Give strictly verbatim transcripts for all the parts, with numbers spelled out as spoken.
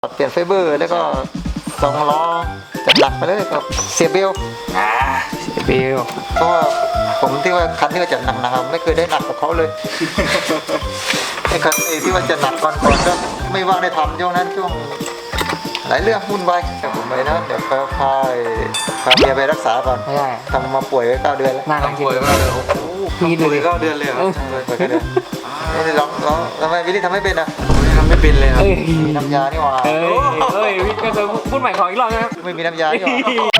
เปลี่ยนไฟเบอร์แล้วก็สองล้อจัดหนักไปเลยก็เสียเบลอ่าเสียเบลเพราะว่าผมที่ว่าคันที่ว่าจัดหนักนะครับไม่เคยได้หนักกับเขาเลยไอ้คันไอ้ที่ว่าจัดหนักก่อนก่อนก็ไม่ว่างได้ทำช่วงนั้นช่วงหลายเรื่องวุ่นวายแต่ผมไปนะเดี๋ยวพาพาพาเมียไปรักษาก่อนไม่ได้ทำมาป่วยไว้เก้าเดือนแล้วน่ารักจริงเลยมีป่วยเก้าเดือนเลยเหรอป่วยเก้าเดือนนี่ลองลองทำไมวิลลี่ทำไม่เป็นอ่ะทำไม่เป็นเลยครับมีน้ำยานี่หว่าเอ้ยเอ้ยวิทย์ก็จะพูดใหม่ของอีกรอบนะครับไม่มีน้ำยานี่หว่า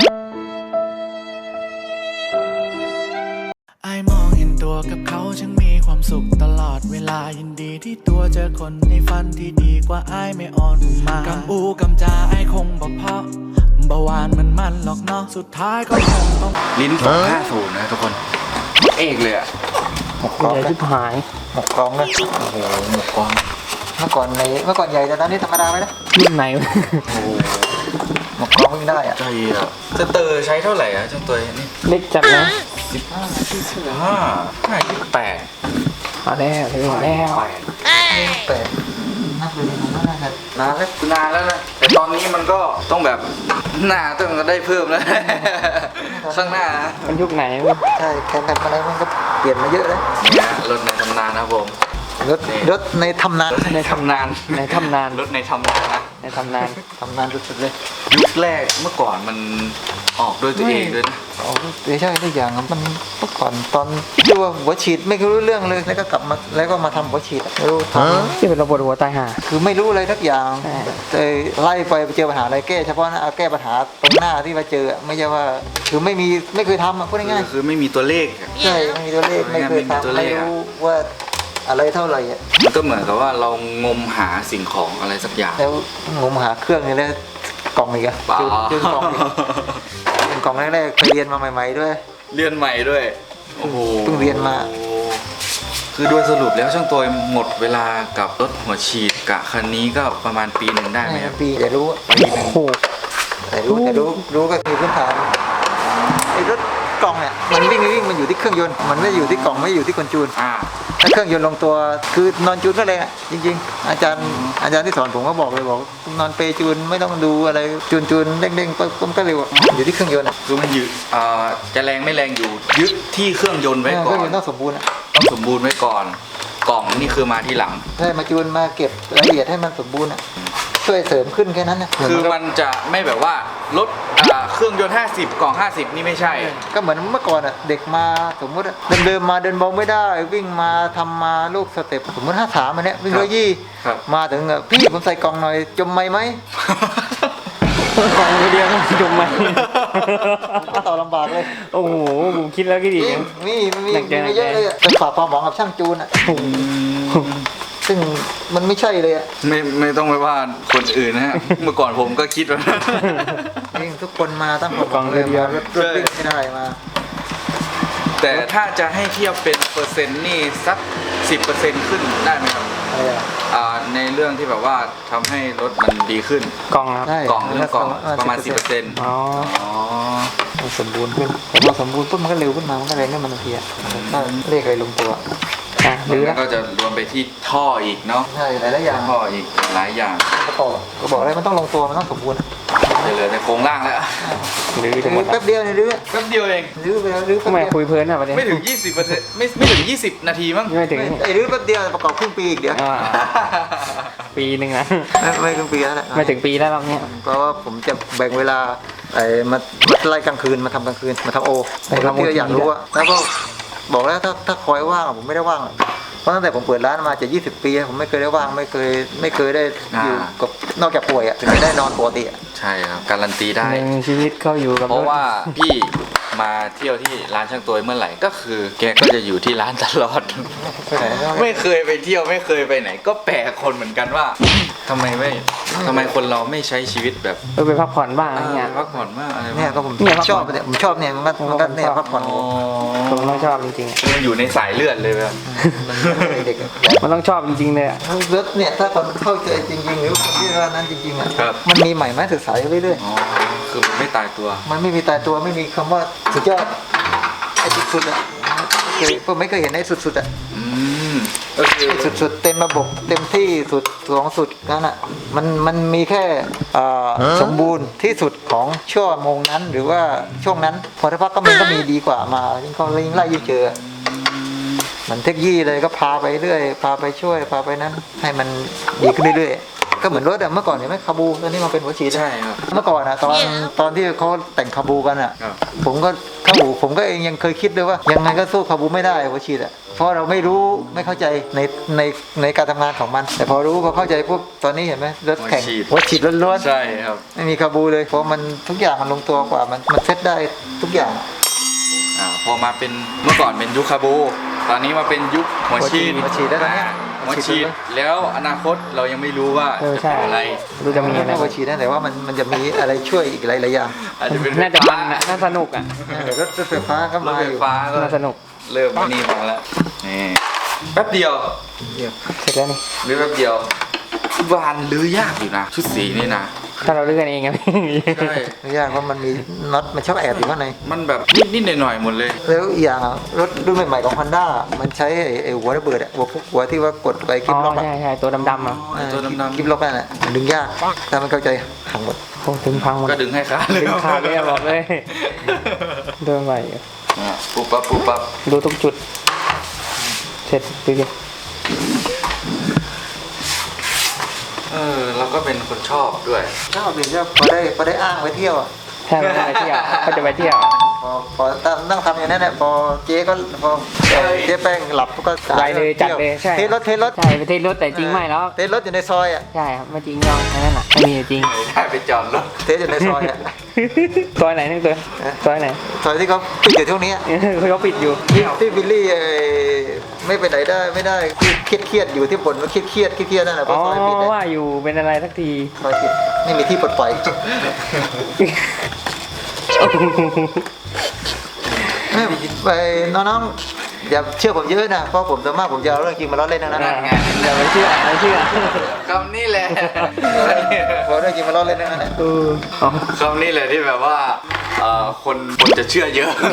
ไอมองเห็นตัวกับเขาช่างมีความสุขตลอดเวลายินดีที่ตัวเจอคนในฝันที่ดีกว่าไอไม่อ่อนมากำอูกำจาไอคงบอกเพราะเบาหวานมันมันหรอกเนาะสุดท้ายก็คงต้องลิ้นสองห้าศูนย์นะทุกคนเอกเลยอ่ะหมกกรองที่หายหมกกรองเลยโอ้โหหมกกรองเมื่อก่อนในเมื่อก่อนใหญ่แต่ตอนนี้ธรรมดาไหมนะรุ่นไหนโอ้หมกกรองไม่ได้อ่ะใช่อ่ะจะเตอร์ใช้เท่าไหร่อ่ะเจ้าตัวนี้เล็กจัดนะสิบห้าสิบห้าห้าสิบแปดมาแล้วเลยมาแล้วแปดนับเลยผมว่าน่าจะนานแล้วนานแล้วนะแต่ตอนนี้มันก็ต้องแบบหน้าต้องได้เพิ่มแล้วข้างหน้ามันยุคไหนใช่แข่งกันอะไรมันก็เปลี่ยนมาเยอะเลยเนี่ยรถในตำนานนะผมรถรถในทำนานในทำนานในทำนานรถในทำนานนะในทำนานทำนานสุดๆเลยยุคแรกเมื่อก่อนมันออกด้วยตัวเองด้วยนะอ๋อใช่ทุกอย่างมันเมื่อก่อนตอนที่ว่าหัวฉีดไม่รู้เรื่องเลยแล้วก็กลับมาแล้วก็มาทำหัวฉีดไม่รู้ทำที่เป็นระบบหัวตายห่าคือไม่รู้อะไรทุกอย่างเลยไล่ไปเจอปัญหาอะไรแก้เฉพาะนะเอาแก้ปัญหาตรงหน้าที่มาเจอไม่ใช่ว่าคือไม่มีไม่เคยทำอ่ะพูดง่ายๆคือไม่มีตัวเลขใช่ไม่มีตัวเลขไม่เคยทำไม่รู้ว่าอะไรเท่าไหร่อ่ะมันก็เหมือนกับว่าเรางมหาสิ่งของอะไรสักอย่างแล้วงมหาเครื่องนี่แล้วกล่องอีกอะจุดกล่องเป็นกล่องแรกๆไปเรียนมาใหม่ๆด้วยเรียนใหม่ด้วยโอ้โหเพิ่งเรียนมาคือโดยสรุปแล้วช่างตัวหมดเวลากับรถหัวฉีดกะคันนี้ก็ประมาณปีหนึ่งได้ไหมครับปีแต่รู้ปีหนึ่งแต่รู้แต่รู้รู้ก็มีพื้นฐานไอ้รถกล่องเนี่ยมันวิ่งวิ่งมันอยู่ที่เครื่องยนต์มันไม่อยู่ที่กล่องไม่อยู่ที่คนจูนถ้าเครื่องยนต์ลงตัวคือนอนจูนก็เลยจริงๆอาจารย์อาจารย์ที่สอนผมก็บอกเลยบอกนอนเปจูนไม่ต้องดูอะไรจูนจูนเด้งๆปุ๊บก็เร็วอยู่ที่เครื่องยนต์คือมันอยู่จะแรงไม่แรงอยู่ยึดที่เครื่องยนต์ไว้ก่อนเครื่องยนต์ต้องสมบูรณ์ต้องสมบูรณ์ไว้ก่อนกล่องนี่คือมาทีหลังใช่มาจูนมาเก็บรายละเอียดให้มันสมบูรณ์ช่วยเสริมขึ้นแค่นั้นนะคือมันจะไม่แบบว่ารถเครื่องยนต์ห้าสิบกล่องห้าสิบนี่ไม่ใช่ก็เหมือนเมื่อก่อนอ่ะเด็กมาสมมติเดินเดินมาเดินเบาไม่ได้วิ่งมาทำมาลูกสเต็ปสมมติห้าสามอันเนี้ยวิ่งร้อยยี่มาถึงพี่ผมใส่กล่องหน่อยจมไหมไหมกล่องเดียวต้องจมไหมก็ต่อลำบากเลยโอ้โหผมคิดแล้วก็ดีนี่มันมีมีเยอะเลยจะฝากความหวังกับช่างจูนอ่ะซึ่งมันไม่ใช่เลยอ่ะไม่ไม่ต้องไปว่าคนอื่นนะฮะเมื่อก่อนผมก็คิดว่าทุกคนมาตั้งกล่องเลยมารถรถวิ่งไม่ได้มาแต่ถ้าจะให้เทียบเป็นเปอร์เซ็นต์นี่สักสิบเปอร์เซ็นต์ขึ้นได้ไหมครับในเรื่องที่แบบว่าทำให้รถมันดีขึ้นกล่องครับกล่องเรื่องกล่องประมาณสิบเปอร์เซ็นต์อ๋อสมบูรณ์ขึ้นแต่พอสมบูรณ์ปุ๊บมันก็เร็วขึ้นมามันก็แรงขึ้นมาทันทีอ่ะถ้าเลขอะไรลงตัวหรือก็จะรวมไปที่ท่ออีกเนาะใช่หลายอย่างท่ออีกหลายอย่างก็บอกก็บอกอะไรมันต้องลงตัวมันต้องสมบูรณ์เหลือแต่โครงล่างแล้วหรือแป๊บเดียวเนี่ยหรือแป๊บเดียวเองหรือไปแล้วหรือทำไมคุยเพลินอ่ะประเด็นไม่ถึงยี่สิบเปอร์เซ็นต์ไม่ไม่ถึงยี่สิบนาทีมั้งไม่ถึงไอ้หรือแป๊บเดียวประกอบครึ่งปีอีกเดียวปีหนึ่งนะไม่ครึ่งปีแล้วแหละไม่ถึงปีแล้วรอบนี้เพราะว่าผมจะแบ่งเวลาไอ้มามาไล่กลางคืนมาทำกลางคืนมาทำโอที่เราอยากรู้อะแล้วก็บอกแล้วถ้าถ้าคอยว่างผมไม่ได้ว่างเพราะตั้งแต่ผมเปิดร้านมาจะยี่สิบปีผมไม่เคยได้ว่างไม่เคยไม่เคยได้อยู่กับนอกจากป่วยอ่ะถึงจะได้นอนปกติอ่ะใช่ครับการันตีได้หนึ่งชีวิตเขาอยู่กับเพราะว่าพี่มาเที่ยวที่ร้านช่างตัวเมื่อไหร่ก็คือแกก็จะอยู่ที่ร้านตลอดไม่เคยไปเที่ยวไม่เคยไปไหนก็แปลกคนเหมือนกันว่าทำไมไม่ทำไมคนเราไม่ใช้ชีวิตแบบเออไปพักผ่อนบ้างอะไรเงี้ยพักผ่อนบ้างอะไรเนี่ยก็ผมชอบเนี่ยผมชอบเนี่ยมันก็มันก็เนี่ยพักผ่อนผมต้องชอบจริงๆมันอยู่ในสายเลือดเลยแบบเด็กมันต้องชอบจริงๆเลยอ่ะรถเนี่ยถ้าคนเข้าใจจริงๆหรือคนที่ร้านนั้นจริงๆอ่ะมันมีใหม่มาศึกษาเรื่อยๆคือมันไม่ตายตัวมันไม่มีตายตัวไม่มีคำว่าสุดยอดไอ้สุดๆอ่ะผมไม่เคยเห็นไอ้สุดๆอ่ะก็คือสุดๆเต็มระบบเต็มที่สุดของสุดนั่นอ่ะมันมันมีแค่เอ่อสมบูรณ์ที่สุดของชั่วโมงนั้นหรือว่าช่วงนั้นพอถ้าพักก็มันก็มีดีกว่ามายิ่งเขายิ่งไล่ยิ่งเจอเหมือนเทคโนโลยีเลยก็พาไปเรื่อยพาไปช่วยพาไปนั้นให้มันดีขึ้นเรื่อยๆก็เหมือนรถอะเมื่อก่อนเห็นไหมคาบูตอนนี้มาเป็นหัวฉีดใช่ครับเมื่อก่อนอะตอนตอนที่เขาแต่งคาบูกันอะครับผมก็เข้าหูผมก็เองยังเคยคิดด้วยว่ายังไงก็สู้คาบูไม่ได้หัวฉีดอะเพราะเราไม่รู้ไม่เข้าใจในในในการทำงานของมัน แต่พอรู้พอเข้าใจปุ๊บตอนนี้เห็นไหมรถแข่งหัวฉีดล้วนๆใช่ครับไม่มีคาบูเลยเพราะมันทุกอย่างมันลงตัวกว่ามันมันเซ็ตได้ทุกอย่างอ่าพอมาเป็นเมื่อก่อนเป็นยุคคาบู ตอนนี้มาเป็นยุคหัวฉีดหัวฉีดแล้วตอนเนี้ยหัวฉีดแล้วอนาคตเรายังไม่รู้ว่าเออจะใช่เป็นอะไรดูจะมีอะไรหัวฉีดนะแต่ว่ามันมันจะมีอะไรช่วยอีกหลายๆอย่างอาจจะเป็นน่าจะมันอะน่าสนุกอ่ะเดี๋ยวรถรถไฟฟ้าก็รถมาไฟอยู่ฟ้าก็น่าสนุกเริ่มมานี่มาแล้วนี่แป๊บเดียวเดี๋ยวเสร็จแล้วนี่หรือแป๊บเดียววานลื้อยากอยู่นะ ชุดสีนี่นะถ้าเราเลือกกันเองอะใช่ไม่ยากเพราะมันมีน็อตมันชอบแอบอยู่ข้างในมันแบบนิดๆหน่อยๆหมดเลยแล้วอีกอย่างอะรถรุ่นใหม่ๆของ Honda มันใช้ไอ้ไอ้หัวระเบิดอะหัวพวกหัวที่ว่ากดไปคลิอ๋ปอล็อกอะใช่ใช่ตัวดำๆอ่ะเออตัวดำๆคลิปล็อกนั่นแหละมันดึงยากถ้ามันเข้าใจหังหมดโอ้ถึงพังหมดก็ดึงให้ขาดเลยดึงขาดเลยอะบอกเลยเดินไปอะอ่ะปุ๊บปั๊บปุ๊บปั๊บดูทุกจุด เสร็จดูดิเออเราก็เป็นคนชอบด้วยชอบดีชอบพอได้พอได้อ้างไปเที่ยวอะถ้าไม่ไปเที่ยวก็จะไปเที่ยวพอพอตั้งนั่งทำอย่างนั้นแหละพอเจ๊ก็พอเจ๊แป้งหลับก็ไปเลยจัดเลยใช่เทรถเทรถใช่ไปเที่ยวรถแต่จริงไม่แล้วเทรถอยู่ในซอยอ่ะใช่ครับไม่จริงยองแค่นั้นอ่ะไม่มีจริงได้ไปจอดรถเทรอยู่ในซอยอ่ะซอยไหนนึกตัวซอยไหนซอยที่เขาปิดอยู่ช่วงนี้เขาปิดอยู่ที่ที่บิลลี่ไอ้ไม่ไปไหนได้ไม่ได้ที่เครียดเครียดๆอยู่ที่บ่นว่าเครียดเครียดเครียดๆนั่นแหละเพอ๋อราะซอยปิดเลยว่าอยู่เป็นอะไรสักทีซอยปิดไม่มีที่ปลดปล่อยไปน้องๆอย่าเชื่อผมเยอะนะเพราะผมส่วนมากผมจะเอาเรื่องจริงมาล้อเล่นทั้งนั้นนะอย่าไปเชื่อไม่เชื่อคำนี้แหละเพราะเรื่องจริงมาล้อเล่นทั้งนั้นนะเอออ๋อคำนี้แหละที่แบบว่าเอ่อคนคนจะเชื่อเยอะ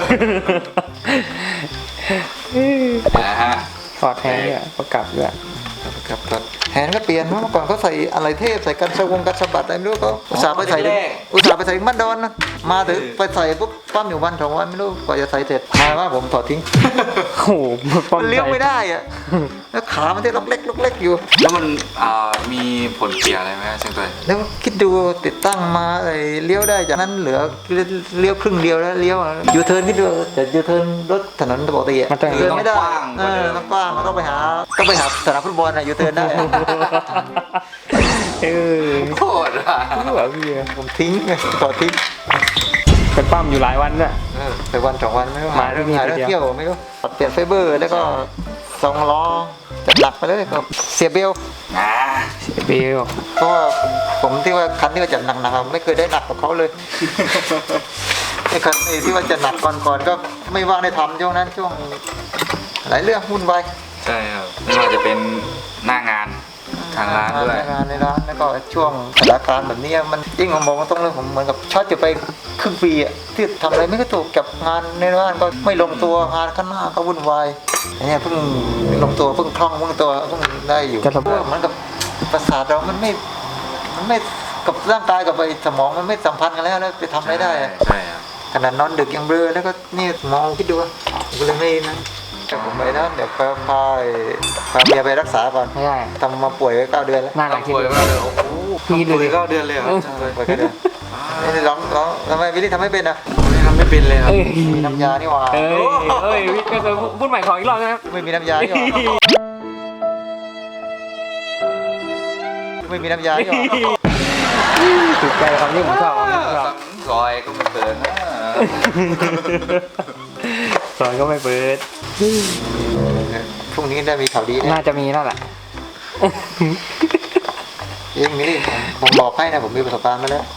นะฮะถอดแทนด้วยประกับด้วยครับครับแฮนด์ก็เปลี่ยนเมื่อก่อนเขาใส่อะไรเทพใส่กันสะวงกันสะบัดอะไรไม่รู้เขาอุตส่าห์ไปใส่ถึงอุตส่าห์ไปใส่ถึงบ้านดอนนะมาถึงไปใส่ปุ๊บปั้มอยู่วันสองวันไม่รู้กว่าจะใส่เสร็จมาว่าผมถอดทิ้งโอ้โหป้อมันเลี้ยวไม่ได้อะแล้วขามันที่ล็อกเล็กล็อกเล็กอยู่แล้วมันอ่ามีผลเสียอะไรไหมฮะเชียงตุยแล้วคิดดูติดตั้งมาไอ้เลี้ยวได้จากนั้นเหลือเลี้ยวครึ่งเดียวแล้วเลี้ยวยูเทิร์นคิดดูแต่ยูเทิร์นรถถนนปกติอะยูเทิร์นไม่ได้เออต้องกว้างต้องไปหาต้องไปหาสนามฟุตบอลอะยูเทิร์นได้เออโคตรอ่ะรู้เหรอพี่ผมทิ้งไงต่อทิ้งไปปั้มอยู่หลายวันด้วยเออไปวันสองวันไม่รู้มาหาเรื่องที่นี่หาเรื่องทีเดียวเที่ยวไม่รู้เปลี่ยนไฟเบอร์แล้วก็สองล้อจัดหนักไปเลยก็เสียเบลอ่าเบลเพราะว่าผมที่ว่าคันที่ว่าจัดหนักๆอะไม่เคยได้หนักกว่าเขาเลยไอ้คันไอ้ที่ว่าจัดหนักก่อนๆก็ไม่ว่างได้ทำช่วงนั้นช่วงหลายเรื่องวุ่นวายใช่ครับไม่ว่าจะเป็นหน้างานทางร้านด้วยงานในร้านแล้วก็ช่วงสถานการณ์แบบนี้มันยิ่งผมมองตรงเลยผมเหมือนกับช็อตจะไปครึ่งปีอะที่ทำอะไรไม่ก็ถูกกับงานในร้านก็ไม่ลงตัวงานข้างหน้าก็วุ่นวายอันเนี้ยเพิ่งลงตัวเพิ่งคล่องเพิ่งตัวเพิ่งได้อยู่เหมือนกับประสาทเรามันไม่มันไม่กับร่างกายกับไอ้สมองมันไม่สัมพันธ์กันแล้วแล้วไปทำอะไรได้อะใช่ครับขนาดนอนดึกยังเบลอแล้วก็นี่มองคิดดูว่าก็เลยไม่นะแต่ผมไปนะเดี๋ยวพาพาพาเมียไปรักษาก่อนไม่ได้ทำมาป่วยไว้เก้าเดือนแล้วหน้าหลังคิดป่วยดูมากเลยโอ้โหพี่ดูป่วดิยเก้าเดือนเลยเหรอป่วยเก้าเดือนนี่ร้องร้องทำไมวิลลี่ทำไม่เป็นอ่ะไม่ทำไม่เป็นเลยครับเอ้ยมีน้ำยานี่หว่าเอ้ยเอ้ยพี่ก็คือพูดใหม่ขออีกรอบนะครับไม่มีน้ำยานี่หว่าไม่มีน้ำยานี่หว่าถูกใจคำนี้ผมชอบคำนี้ผมชอบซอยก็ไม่เปิดนะสอนก็ไม่เปิดพรุ่งนี้ได้มีข่าวดีแน่น่าจะมีแล้วแหละเองนี่ผมผมบอกให้นะผมมีประสบการณ์มาแล้ว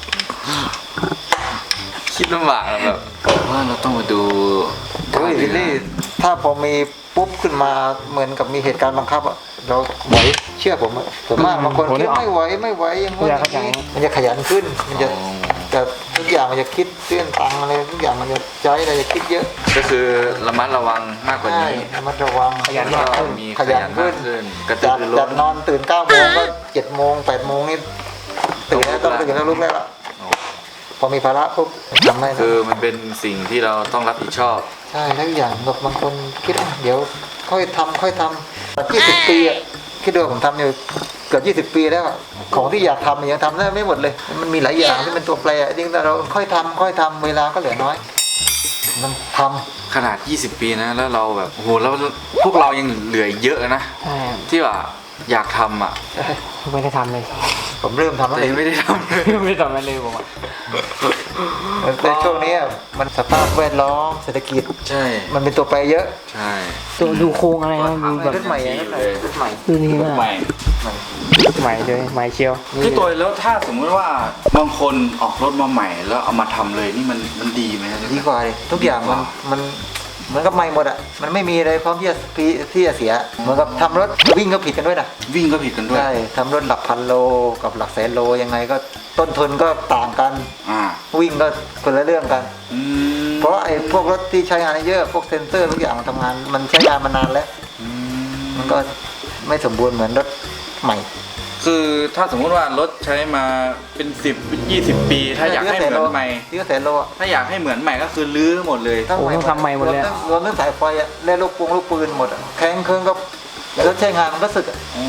คิดลำบากอะแบบว่าเราต้องมาดูเฮ้ยวิลลี่ถ้าพอมีปุ๊บขึ้นมาเหมือนกับมีเหตุการณ์บังคับอ่ะเราไหวเชื่อผมอะส่วนมากบางคนคิดไม่ไหวไม่ไหวอย่างงู้นอย่างนี้มันจะขยันขึ้นมันจะแต่ทุกอย่างมันจะคิดเรื่องตังค์อะไรทุกอย่างมันจะใช้อะไรจะคิดเยอะก็คือระมัดระวังมากกว่าใช่นี้ระมัดระวังขยันมากขึ้นมีขขยัยันนขึ้มาน กขึ้นกระตืจาอก รือร้จากนนอนตื่นเก้าโมงก็เจ็ดโมงแปดโมงนี่ตื่นแล้วต้องตื่นแล้วลุกแล้วล่ะพอมีภาระปุ๊บทำไม่ได้คือมันเป็นสิ่งที่เราต้องรับผิดชอบใช่แล้วอย่างแบบบางคนคิดว่าเดี๋ยวค่อยทำค่อยทำแบบยี่สิบปีอ่ะคิดดูผมทำอยู่เกือบยี่สิบปีแล้วอะของที่อยากทำยังทำได้ไม่หมดเลย มันมีหลายอย่างที่เป็นตัวแปรจริงแต่เราค่อยทำค่อยทำเวลาก็เหลือน้อย มันทำขนาด ยี่สิบ ปีนะ แล้วเราแบบ โอ้โห แล้วพวกเรายังเหลืออีกเยอะนะใช่ที่ว่าอยากทำอ่ะไม่ได้ทำเลยผมเริ่มทำแล้วแต่เอยัง งไม่ได้ทำเลยไม่ได้ทำอะไรเลยผมอ่ะในช่วงนี้มันสภาพแวดล้อมเศรษฐกิจใช่มันเป็นตัวแปรเยอะใช่ดูดูโครงอะไรนะดูแบบรถใหม่อะรถใหม่รถใหม่ดูนี่มากใหม่ใหม่เลยใหม่เชียวพี่ตัวแล้วถ้าสมมติว่าบางคนออกรถมาใหม่แล้วเอามาทำเลยนี่มันมันดีไหมดีกว่าเลยทุกอย่างมันมันเหมือนกับใหม่หมดอ่ะมันไม่มีอะไรพร้อมที่จะที่จะเสียเหมือนกับทำรถวิ่งก็ผิดกันด้วยนะวิ่งก็ผิดกันด้วยใช่ทำรถหลักพันโลกับหลักแสนโลยังไงก็ต้นทุนก็ต่างกันอ่าวิ่งก็คนละเรื่องกันอืมเพราะไอ้พวกรถที่ใช้งานเยอะพวกเซนเซอร์ทุกอย่างมันทำงานมันใช้งานมานานแล้วอืมันก็ไม่สมบูรณ์เหมือนรถใหม่คือถ้าสมมติว่ารถใช้มาเป็นสิบยี่สิบปี ถ้าอยากให้เหมือนใหม่ที่ก็แสนโลอะถ้าอยากให้เหมือนใหม่ก็คือลื้อหมดเลยทั้งโอ้ต้องทำใหม่หมดเลยรวมทั้งรวมทั้งสายไฟอ่ะและลูกปงลูกปืนหมดอะแข้งเครื่องก็รถใช้งานมันก็สึกอะอ๋อ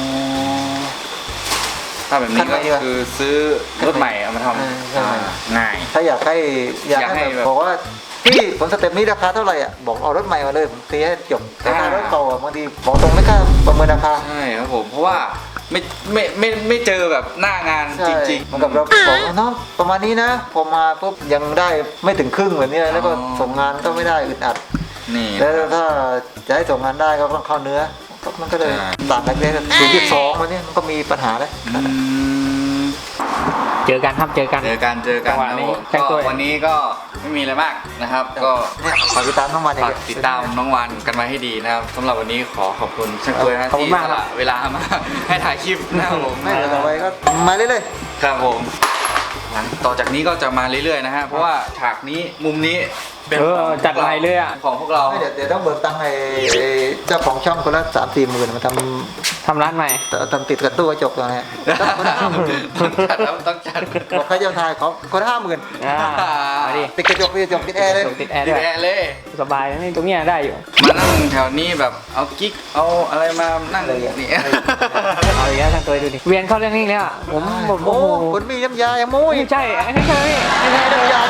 ถ้าแบบนี้คันใหม่ก็ดีกว่าคือซื้อรถใหม่เอามาทเออใช่ำอ่าง่ายถ้าอยากให้อยากอยากให้ให้แบแบบบบอกว่าพี่ผมสเต็ปนี้ราคาเท่าไหร่อ่ะบอกเอารถใหม่มาเลยผมตีให้จบแต่ถ้าอ่ารถเก่าอะบางทีบอกตรงไม่กล้าประเมินราคาใช่ครับผมเพราะว่าไม่ไม่ไม่ไม่เจอแบบหน้างานใช่จริงเหมือนกับเราบอกว่าน้องประมาณนี้นะพอมาปุ๊บยังได้ไม่ถึงครึ่งแบบนี้แล้วก็ส่งงานก็ไม่ได้อึดอัดๆนี่แล้วถ้าจะให้ส่งงานได้ก็ต้องเข้าเนื้อก็มันก็เลยใช่ต่างกันเลยศูนย์จุดสองวันนี้มันก็มีปัญหาแล้วอืมเจอกันครับเจอกันเจอกันเจอกันจังหวะครับนี้ผมแต่งตัวก็วันนี้ก็ไม่มีอะไรมากนะครับ ก็เนี่ยฝากติดตามน้องมันฝากติดตามน้องวันกันมาให้ดีนะครับสำหรับวันนี้ขอขอบคุณช่างตัวยนะขอบคุที่ณมากสครับละเวลามา ให้ถ่ายคลิปนะครับผมไม่เดี๋ยวต่อไปก็มาเรื่อยครับผมหลังต่อจากนี้ก็จะมาเรื่อยๆนะฮะเพราะว่าฉากนี้มุมนี้เป็นเออของจัดใหม่เลยอะของพวกเราๆไม่เดี๋ยวเดี๋ยวต้องเบิกตังค์ไอ้เจ้าของช่องคนละสามสี่หมื่นมาททำร้านใหม่ำทำติดกับตู้กระจกตรงนี้คนละห้าหมื่นต้องจัดแล้วต้องจัดบอกใครจะถ่ายเขาคนละห้าหมื่นอ่ามาดิติดกระจกติดกระจกติดแอร์เลยติดแอร์ดีด้วยแอเลยสบายนะนี่ตรงเนี้ยได้อยู่มานั่งแถวนี้แบบเอากิ๊กเอาอะไรมานั่งนี่เอาอีกแล้วทางตัวดูดิเวียนเข้าเรื่องนี้แล้วอะผมผมโอ้โอ้โหคนมีน้ำยาอย่างมุ้ยไม่ใช่ไม่ใช่พี่ไม่ใช่น้ำยา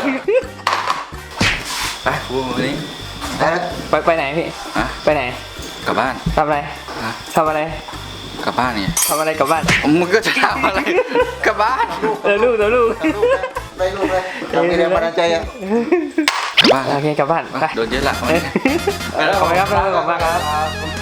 ไปฟูวันนี้นะไปไปไหนพี่อะไปไหนกลับบ้านทำอะไรฮะทำอะไรกลับบ้านเนี่ยทำอะไรกลับบ้านมึงก็จะทำอะไรกลับบ้านเออลูกเดี๋ยวลูกได้รูปเลยเรามีแรงบันดาลใจอ่ะกลับบ้านโอเคกลับบ้านไปโดนเยอะละเออขอบคุณครับขอบคุณมากครับ